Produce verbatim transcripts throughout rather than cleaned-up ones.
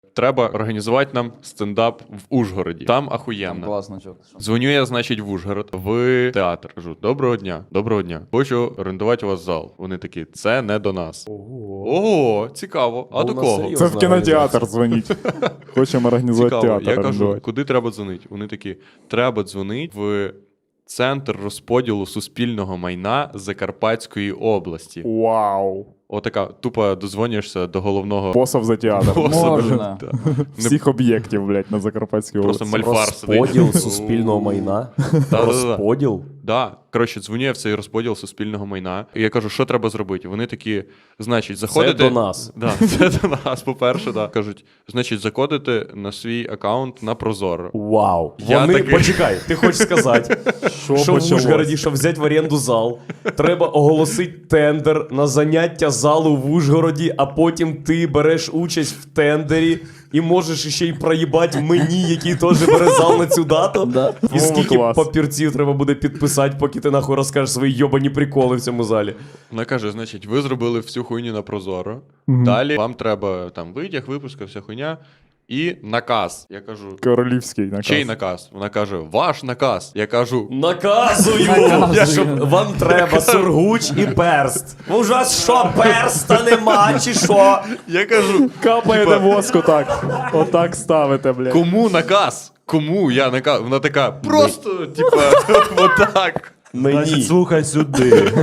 Треба організувати нам стендап в Ужгороді. Там ахуєнно. Класно, чувак. Дзвоню я, значить, в Ужгород, в театр. Кажу, доброго дня, доброго дня. Хочу орендувати у вас зал. Вони такі, це не до нас. Ого. Ого, цікаво. А Ну, до на кого? серйозно. Це в кінотеатр дзвоніть. Хочемо організувати Цікаво. театр. Я кажу, орендувати. куди треба дзвонити? Вони такі, треба дзвонити в Центр розподілу суспільного майна Закарпатської області. Вау. Отака, тупо дозвонюєшся до головного Посов за театр. боса. Можна. Да. Всіх об'єктів, блядь, на Закарпатській Просто області. мальфар сидить. Розподіл суспільного майна. Да-да-да. Розподіл? Да, коротше, дзвоню я в цей розподіл суспільного майна. І я кажу, що треба зробити? Вони такі, значить, заходите... Це до нас. Да, це до нас, по-перше, да. Кажуть, значить, заходите на свій аккаунт на Прозоро. Вау. Я Вони, такий- почекай, ти хочеш сказати, Що що в почалось? Ужгороді, щоб взяти в оренду зал, треба оголосити тендер на заняття залу в Ужгороді, а потім ти береш участь в тендері і можеш ще й проїбати мені, який теж бере зал на цю дату. Да. І скільки Клас. папірців треба буде підписати, поки ти нахуй розкажеш свої йобані приколи в цьому залі. Вона каже, значить, ви зробили всю хуйню на Прозоро. Далі вам треба там витяг, випуска, вся хуйня. І наказ. Я кажу, Королівський наказ. чий наказ? Вона каже, ваш наказ. Я кажу, Наказую, Наказую. щоб вам треба сургуч і перст. У вас що, перста нема, чи що? я кажу, Капаєте типа, воску так. Отак ставите, блядь. кому наказ? Кому я наказ? Вона така, просто, типа, отак. Мені. Слухай сюди.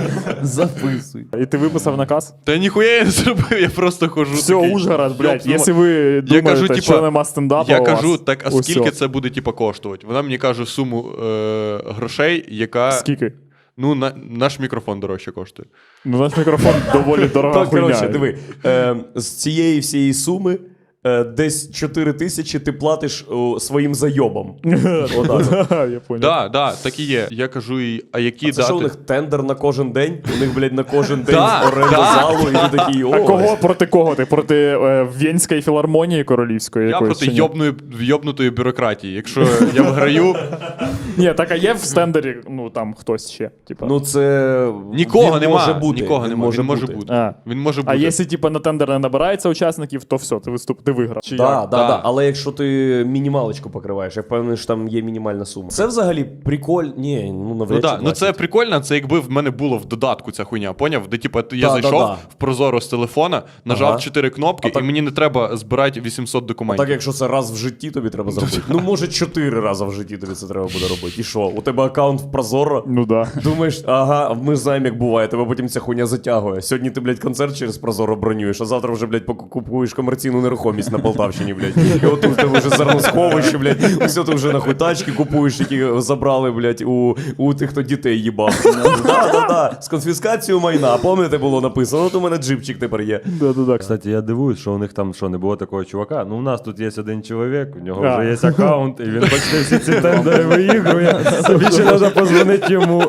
Записуй. І ти виписав наказ? Та ніхуя я не зробив, я просто хожу. Все, такий, Ужгород, блядь. «Йоп, Якщо ви Я думаєте, кажу, типа, що нема стендапу Я у кажу, вас, так, а усьо. скільки це буде, типа, коштувати? Вона мені каже суму е, грошей, яка, Скільки? ну, на, наш мікрофон дорожче коштує. Ну, наш мікрофон доволі дорога Так, хуйня. коротше, диви, е, з цієї всієї суми е, десь чотири тисячі ти платиш о, своїм зайобам. Отак. Я понял. Да, да, так і є. Я кажу їй, а які А це дати? що у них тендер на кожен день? У них, блядь, на кожен день Да, оренда да, залу, і ти такий, о, А кого проти кого ти? Проти е, Вєнської філармонії королівської Я якоїсь? проти чи ні? йобної, йобнутої бюрократії. Якщо я виграю, Ні, так а є в стендері, ну там хтось ще. Типа. Ну це... нікого він нема. може бути. Нікого він нема. може Він може бути. бути. А. Він може бути. А якщо типа на тендер не набирається учасників, то все, ти виступ, ти виграв. Чи Да, як? да, Да. да. Але якщо ти мінімалочку покриваєш, я впевнений, що там є мінімальна сума. Це взагалі приколь. Ні, ну Ну, навряд да. чи ну це платять. прикольно, це якби в мене було в додатку ця хуйня, поняв? Де типу, я Да, зайшов да, да. в Прозоро з телефона, нажав Ага. чотири кнопки, А так- і мені не треба збирати вісімсот документів. Так, якщо це раз в житті тобі треба зробити. Ну, може, чотири рази в житті тобі це треба буде робити. І що? У тебе аккаунт в Прозоро? Ну да. Думаєш, ага, ми ж знаємо, як буває, тебе потім ця хуйня затягує. Сьогодні ти, блядь, концерт через Прозоро бронюєш, а завтра вже, блядь, поку- купуєш комерційну нерухомість на Полтавщині, блядь. І от тут в тебе вже зерносховище, блядь, усе ти вже нахуй тачки купуєш, які забрали, блядь, у, у тих, хто дітей їбав. Да, да, да. З конфіскацією майна. Пам'ятаєте, було написано, от у мене джипчик тепер є. Да, да, да. Кстати, я дивуюсь, що у них там що, не було такого чувака. Ну, у нас тут є один чоловік, у нього А. вже є аккаунт, і він почти всі ці тендери виігрує. Більше треба позвонити йому.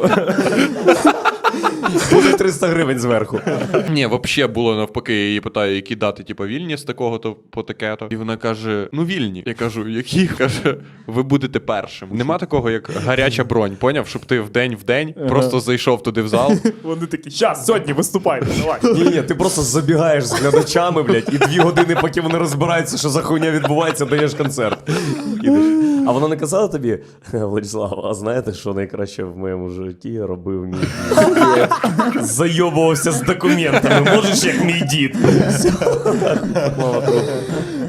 Буде триста гривень зверху. Ні, взагалі було навпаки, я її питаю, які дати, типу, вільні з такого-то по таке-то. І вона каже, ну вільні. Я кажу, які? Каже, ви будете першим. Нема такого, як гаряча бронь, поняв? Щоб ти вдень в день просто зайшов туди в зал. Вони такі, щас, сьогодні виступайте, давай. Ні, ні, ти просто забігаєш з глядачами, блядь, і дві години, поки вони розбираються, що за хуйня відбувається, даєш концерт. Ідеш. А вона не казала тобі, Владислав, а знаєте, що найкраще в моєму житті робив мій дід? Зайобувався з документами, можеш як мій дід.